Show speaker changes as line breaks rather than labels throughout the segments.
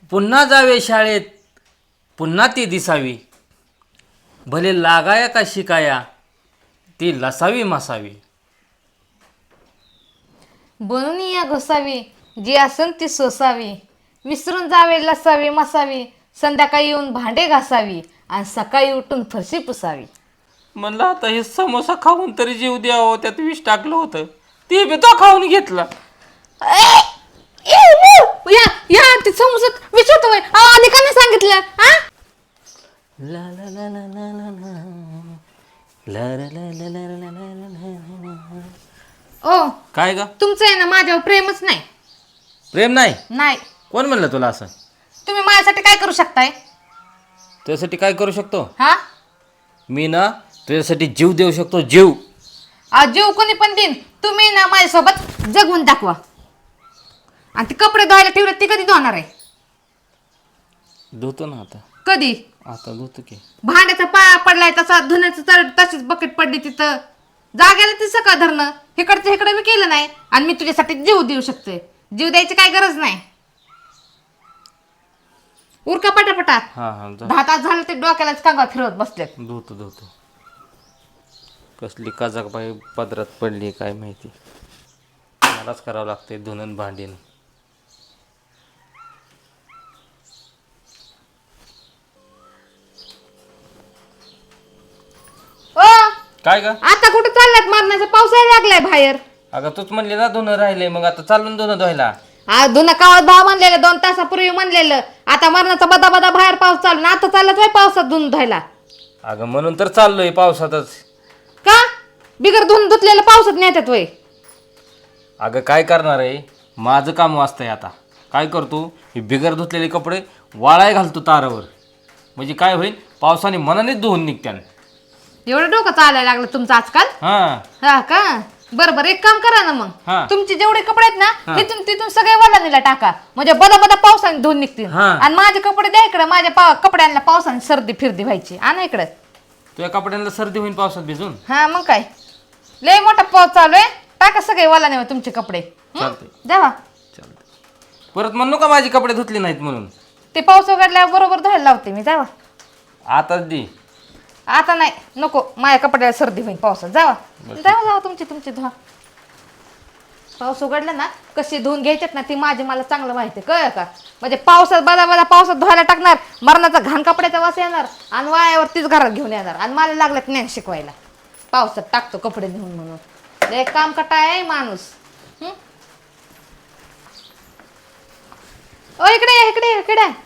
पुन्हा जावे शाळेत, पुन्हा ती दिसावी. भले लागाया का शिकाया, ती लसावी मसावी.
बनून या घोसावी, जी असन ती सोसावी. विसरून जावे लसावी मसावी, संध्याकाळी येऊन भांडे घासावी आणि सकाळी उठून फरशी पुसावी.
म्हणलं आता हे समोसा खाऊन तरी जीव द्यावं, त्यात विष टाकलं होतं, ते बी तो खाऊन घेतला.
या या ते समोसात विचारतो आधी का नाही सांगितलं हा?
ला ला ला ला ला ला ला. ला ला ला ला ला ला ला ला ला.
ओ
काय ग?
तुमचं आहे ना माझ्यावर प्रेमच नाही.
प्रेम नाही?
नाही.
कोण म्हणलं तुला असं?
तुम्ही माझ्यासाठी काय करू शकताय?
तुझ्यासाठी काय करू शकतो?
हा
मी ना तुझ्यासाठी जीव देऊ शकतो, जीव.
आज जीव कोणी पण देईन, तुम्ही ना माझ्यासोबत जगवून दाखवा. आणि ते कपडे धुवायला ठेवले ते कधी धुणार आहे?
धुतो ना आता.
कधी?
आता धुतो की.
भांड्याचा पाया पडलाय तसा, धुण्याचं तशीच बकेट पडली तिथं. जागेला ती सकाळ धरणं इकडचं इकडे मी केलं नाही. आणि मी तुझ्यासाठी जीव देऊ शकते. जीव द्यायची काय गरज नाही. उरका पटापटा.
हा हा जा.
10 तास झालं ते डोक्यालाच कांगा फिरवत बसले.
धुतो धुतो. कसली काजाक बाई पदरात पडली काय माहिती. मलाच करावं लागते धुणं भांडीन.
ओ
काय ग?
आता कुठे चाललात? मारण्याचा पाऊस यायला लागलाय बाहेर.
अगं तूच म्हणली ना धुणं राहिले, मग आता चालून धुणं धुवायला.
आज धुणं कावत भाव म्हणलेलं 2 तासापूर्वी म्हणलेलं. आता मरणाचा बदा बदा बाहेर पाऊस चालू ना, आता चाललात बाई पावसात धुणं धुवायला.
अगं म्हणून तर चाललोय पावसातच.
का बिगर धुणं धुतलेलं पावसात नेतात वय?
अगं काय करणार आहे, माझं काम वाचतंय आता. काय करतो, हे बिगर धुतलेले कपडे वाळाय घालतो तारावर. म्हणजे काय होईल, पावसाने मनानेच धुवून निघत्यान.
एवढं डोकं चालायला लागलं तुमचं आजकाल?
हा
हा का? बरं बरं, एक काम करा ना मग.
हा.
तुमचे जेवढे कपडे आहेत ना
हा.
तिथून तिथून सगळे वलानीला टाका. म्हणजे बदा बदा पावसाने धुवून निघतील.
हा.
आणि माझे कपडे द्या इकडे. माझ्या कपड्यांना पावसाने सर्दी फिरदी व्हायची. आणा इकडे.
तुझ्या कपड्यांना सर्दी होईल पावसात भिजून.
हा मग काय, लय मोठा पाऊस चालू आहे. टाका सगळे वलाने तुमचे कपडे.
चालते
जावा.
चालते. परत म्हणू का माझी कपडे धुतली नाहीत म्हणून?
ते पाऊस उघडल्यावर बरोबर धुवायला लावते मी. जावा.
आताच दे.
आता नाही नको, माझ्या कपड्याला सर्दी होईल पावसात. जावा जावा जावा, तुमची धुवा. पाऊस उघडला ना कशी धुवून घ्यायच्यात ना ती माझी मला चांगलं माहिती आहे, कळ का? म्हणजे पावसात बदा बदा पावसात धुवायला टाकणार, मरणाचा घाण कपड्याचा वास येणार आणि वायावरतीच घरात घेऊन येणार. आणि मला लागलं ज्ञान शिकवायला पावसात टाकतो कपडे धुवून म्हणून. एक काम कटा आहे माणूस. ओ इकडे या, इकडे या, इकडे या.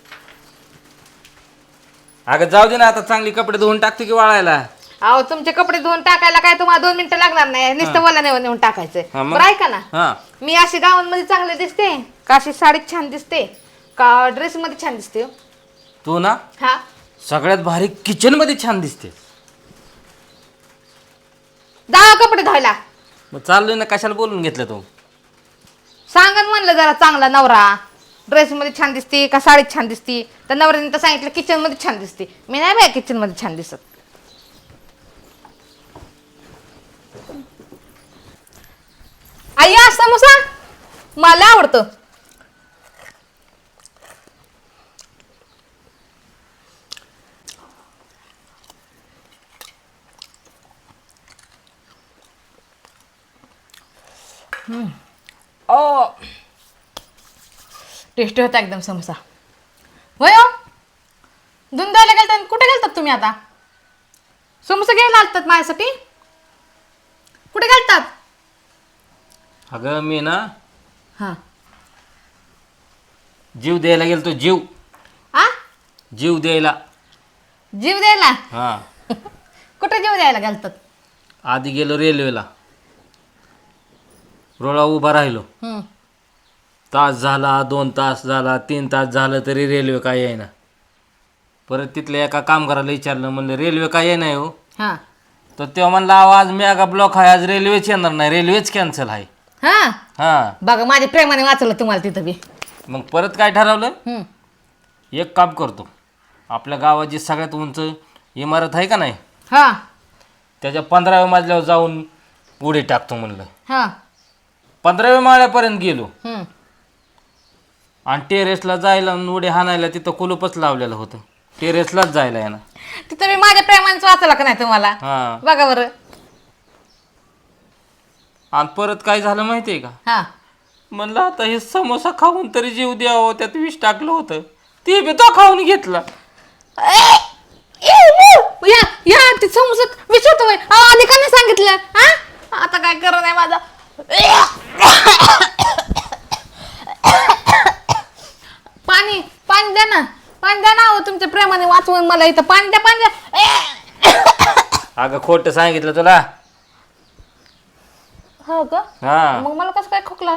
अगं जाऊ दे ना, आता चांगली कपडे धुवून टाकतो की वाळायला.
अहो तुमचे कपडे धुवून टाकायला काय तुम्हाला 2 मिनिटं लागणार नाही. नुसतं मला नेऊन टाकायचंय.
हा मग?
बरं ऐका ना,
हा
मी अशी गावांमध्ये चांगले दिसते का? अशी साडीत छान दिसते का? ड्रेस मध्ये छान दिसते?
तू ना
हा
सगळ्यात भारी किचन मध्ये छान दिसते.
जा कपडे धुवायला.
मग चाललोय ना, कशाला बोलून घेतलं तू?
सांगा म्हणलं जरा चांगला नवरा ड्रेस मध्ये छान दिसते का साडीत छान दिसते? तर नवऱ्याने तर सांगितलं किचन मध्ये छान दिसते. मी नाही बाय किचन मध्ये छान दिसत. आई समोसा मला आवडतं. ओ टेस्टी होता एकदम समोसा. होय हो, धुवून द्यायला गेलतात. कुठे गेलतात तुम्ही आता? समोसा घ्यायला आलतात माझ्यासाठी? कुठे गेलतात?
अगं मी ना
हा
जीव द्यायला गेलतो. जीव
आ
जीव द्यायला.
जीव द्यायला?
हा
कुठे जीव द्यायला गेलतात?
आधी गेलो रेल्वेला. रोळा उभा राहिलो. तास झाला, 2 तास झाला, 3 तास झालं तरी रेल्वे काय येईना. परत तिथल्या एका कामगाराला विचारलं, म्हणलं रेल्वे काय येईना हो?
हा
तर तेव्हा म्हणला आज मेगा ब्लॉक आहे, आज रेल्वेच येणार नाही, रेल्वेच कॅन्सल आहे.
हा
हा
बघा माझ्या प्रेमाने वाचवलं तुम्हाला तिथं बी.
मग परत काय ठरवलं, एक काम करतो, आपल्या गावाची सगळ्यात उंच इमारत आहे का नाही,
हा
त्याच्या 15व्या मजल्यावर जाऊन उडी टाकतो म्हणलं.
हा
15व्या माळ्यापर्यंत गेलो. आणि टेरेसला जायला आणि उडी हाणायला तिथं कुलूपच लावलेलं होतं. टेरेसलाच जायला आहे ना.
तिथं मी माझ्या प्रेमानेच वाचला का नाही तुम्हाला?
हां.
बघा बरं.
आणि परत काय झालं माहिती आहे का?
हा,
म्हणलं आता हे समोसा खाऊन तरी जीव द्यावं, त्यात विष टाकलं होतं, ते बी तो खाऊन घेतला.
या या ते समोसात विचारतो आधी का नाही सांगितलं? हा, आता काय करत नाही माझा. पाणी पाणी द्या ना, पाणी द्या ना. तुमच्या प्रेमाने वाचवून मला इथं पाणी द्या, पाणी द्या.
अगं खोटं सांगितलं तुला.
हो का?
हा,
मग मला कसं काय खोकला?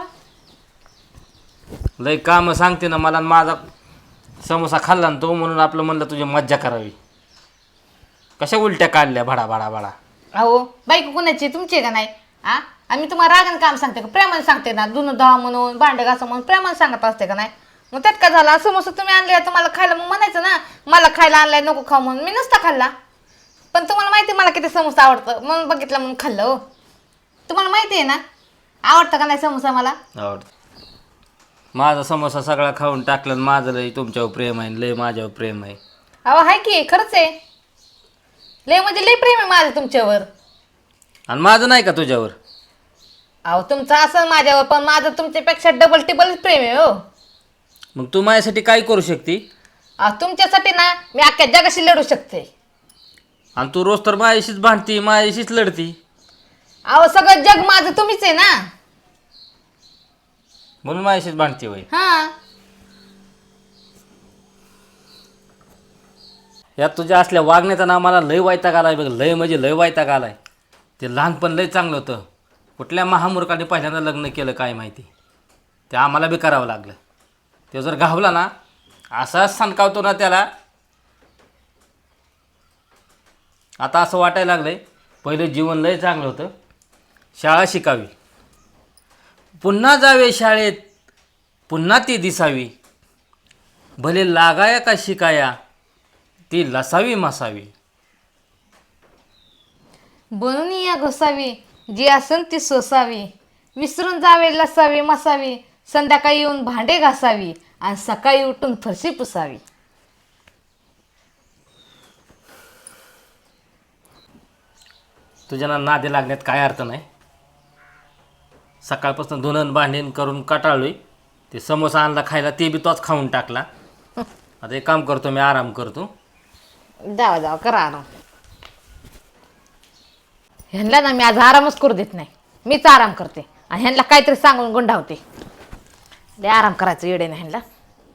लय काम सांगते ना मला. आणि माझा समोसा खाल्ला ना तो, म्हणून आपलं म्हणलं तुझी मज्जा करावी. कशा उलट्या काढल्या भडा भडा भडा.
अहो बाईक कोणाची, तुमची का नाही? आ आम्ही तुम्हाला रागाने काम सांगते का प्रेमाने सांगते ना? धुणं धुवा म्हणून, भांडे घासा म्हणून प्रेमाने सांगत असते का नाही? मग त्यात काय झाला? समोसा तुम्ही आणले तुम्हाला खायला, मग म्हणायचं ना मला खायला आणलाय नको खाऊ म्हणून. मी नसता खाल्ला, पण तुम्हाला माहिती आहे मला किती समोसा आवडतं म्हणून बघितलं म्हणून खाल्लं. हो, तुम्हाला माहिती आहे ना आवडतं का नाही समोसा मला?
आवडतं. माझा समोसा सगळा खाऊन टाकला आणि माझं लय तुमच्यावर प्रेम आहे, लय माझ्यावर प्रेम आहे.
अहो हाय की, खरंच आहे. लय म्हणजे लय प्रेम आहे माझं तुमच्यावर.
आणि माझं नाही का तुझ्यावर?
अहो तुमचं असं माझ्यावर, पण माझं तुमच्यापेक्षा डबल टिबल प्रेम आहे. हो,
मग तू माझ्यासाठी काय करू शकते?
अहो तुमच्यासाठी ना मी अख्ख्या जगाशी लढू शकते.
आणि तू रोज तर माझ्याशीच भांडती, माझ्याशीच लढती.
अहो सगळं जग माझं तुम्हीच आहे ना.
म्हणून माझ्याशीच भांडती होय.
हा,
यात तुझ्या असल्या वागण्याचा ना मला लय वैताग आलाय बघ. लय म्हणजे लय वैताग आलाय. ते लहानपण लय चांगलं होतं. कुठल्या महामूर्खाने पहिल्यांदा लग्न केलं काय माहिती, ते आम्हाला बी करावं लागलं. ते जर गावला ना असाच सणकावतो ना त्याला. आता असं वाटायला लागलंय पहिलं जीवन लय चांगलं होतं. शाळा शिकावी, पुन्हा जावे शाळेत, पुन्हा ती दिसावी. भले लागाया का शिकाया, ती लसावी मसावी.
बनून या घोसावी, जी असन ती सोसावी. विसरून जावे लसावी मसावी. संध्याकाळी येऊन भांडे घासावी आणि सकाळी उठून फरशी पुसावी.
तुझ्या नादी लागण्यात काय अर्थ नाही. सकाळपासून धुणं भांडण करून कटाळलोय. ते समोसा आणला खायला, ते बी तोच खाऊन टाकला. आता एक काम करतो मी, आराम करतो.
जावा जावा करा आराम. ह्यांना ना मी आज आरामच करू देत नाही. मीच आराम करते आणि ह्यांना काहीतरी सांगून गुंडावते. लय आराम करायचं येडे नाही ह्यांना.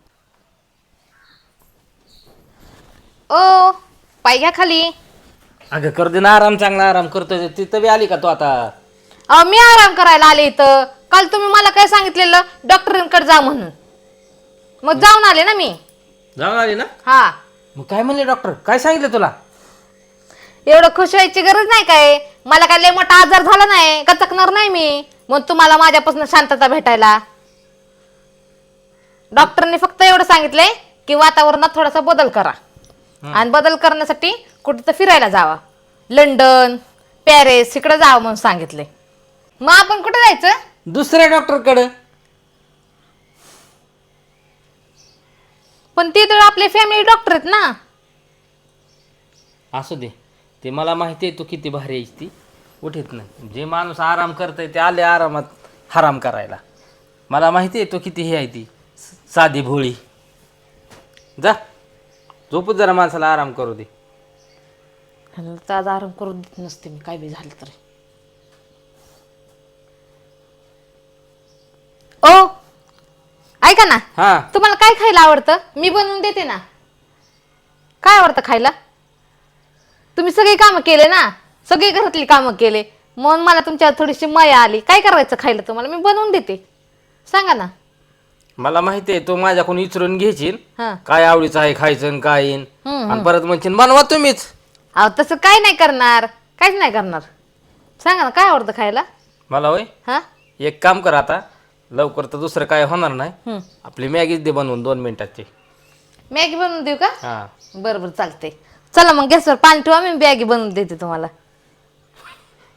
ओ पाय घ्या खाली.
अगं कर दे ना आराम, चांगला आराम करतोय. तिथं बी आली का तू आता?
अहो मी आराम करायला आले इथं. काल तुम्ही मला काय सांगितलेलं डॉक्टरांकडे जा म्हणून, मग जाऊन आले ना मी.
जाऊन आली ना?
हा,
मग काय म्हणले डॉक्टर? काय सांगितलं तुला?
एवढं खुश व्हायची गरज नाही. काय मला काय लय मोठा आजार झाला नाही, कचकणार नाही मी मग तुम्हाला माझ्यापासून शांतता भेटायला. डॉक्टरने फक्त एवढं सांगितलंय की वातावरणात थोडासा बदल करा आणि बदल करण्यासाठी कुठं तर फिरायला जावा. लंडन, पॅरिस इकडे जावं म्हणून सांगितले. मग आपण कुठे जायचं?
दुसऱ्या डॉक्टरकडे.
पण ते तर आपले फॅमिली डॉक्टर आहेत ना.
असू दे, ते मला माहिती आहे तू किती भारी आहेस. ती उठीत नाही. जे माणूस आराम करतंय ते आले आरामात हराम करायला. मला माहिती आहे तू किती हे आहे, ती साधी भोळी. जा झोपूच, जरा माणसाला आराम करू दे.
तर आज आराम करू देत नसते मी, काय बी झालं तर. ओ ऐका ना,
हा,
तुम्हाला काय खायला आवडतं? मी बनवून देते ना. काय आवडतं खायला? तुम्ही सगळी कामं केले ना, सगळी घरातली कामं केले, म्हणून मला तुमच्यावर थोडीशी माया आली. काय करायचं खायला तुम्हाला? मी बनवून देते, सांगा ना.
मला माहिती आहे तू माझ्याकडून विचारून घ्यायची
हा,
काय आवडीचं आहे खायचं आणि काय येईन.
हम्म,
आणि परत म्हणशील बनवा तुम्हीच.
अहो तसं काय नाही करणार, काहीच नाही करणार. सांगा ना काय आवडतं खायला?
मला होय,
हा,
एक काम कर आता लवकर, तर दुसरं काय होणार नाही.
हम्म,
आपली मॅगीच दे बनवून 2 मिनिटाची.
मॅगी बनवून देऊ का?
हा,
बरं बरं चालते. चला मग गॅसवर पाणी ठेवा, मी मॅगी बनवून देते तुम्हाला.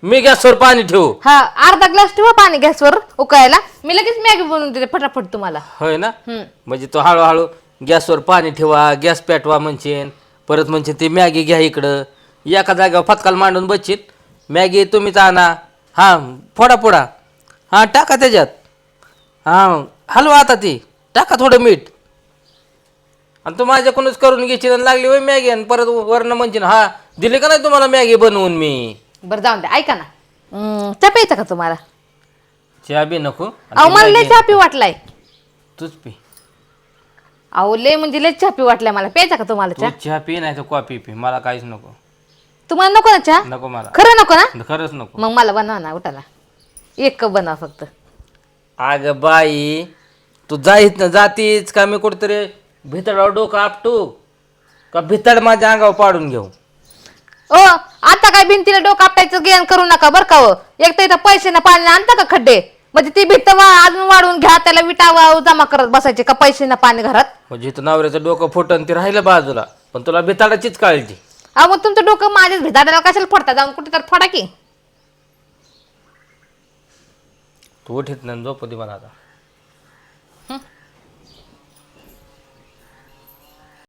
मी गॅसवर पाणी ठेवू?
हा अर्धा ग्लास ठेवा पाणी गॅसवर उकळायला, मी लगेच मॅगी बनवून देते फटाफट तुम्हाला.
होय ना.
हम्म.
म्हणजे तो हळूहळू गॅसवर पाणी ठेवा, गॅस पेटवा म्हणशील, परत म्हणशील ती मॅगी घ्या इकडं, एका जागेवर फटकाल मांडून बसशील. मॅगी तुम्हीच आणा, हां फोडा फोडा, हां टाका त्याच्यात, हां हलवा आता ती, टाका थोडं मीठ, आणि तू माझ्याकडूनच करून घ्यायची आणि लागली होय मॅगी, आणि परत वरनं म्हणशील हा दिली का नाही तुम्हाला मॅगी बनवून मी.
बरं जाऊन द्या, ऐका ना, चहा प्यायचा का तुम्हाला?
चहा बी नको. आणि
अहो
ती
मला लय
मॅगी
चहा पी वाटलाय.
तूच पी.
अहो लय म्हणजे लय चहा पी वाटलाय मला, प्यायचा का तुम्हाला
तू
चहा?
चहा पी नाही तर कॉफी पी, मला काहीच नको.
तुम्हाला नको ना चहा?
नको मला,
खरं नको ना?
खरंच नको.
मग मला बनवा ना, उठाला एक कप बनवा फक्त.
अगं बाई, तू जाईत ना जातीच का मी कुठेतरी भितडावर डोकं आपटू का भितड माझ्या अंगावर पाडून घेऊ?
ओ आता काय भिंतीला डोकं आपटायचं ज्ञान करू नका बरं का. हो एक तर इथं पैसे ना पाणी आणता का खड्डे, म्हणजे ती भिंत अजून वाढवून घ्या, त्याला विटा जमा करत बसायचे का पैसे ना पाणी घरात.
म्हणजे इथं नवऱ्याचं डोकं फुटन ते राहिलं बाजूला, पण तुला भिताडाचीच काळजी.
अहो मग तुमचं डोकं माझ्याच भिताडाला कशाला फोडता, जाऊन कुठे तर फोडा की.
तू उठीत नाही, झोपू दे मला आता.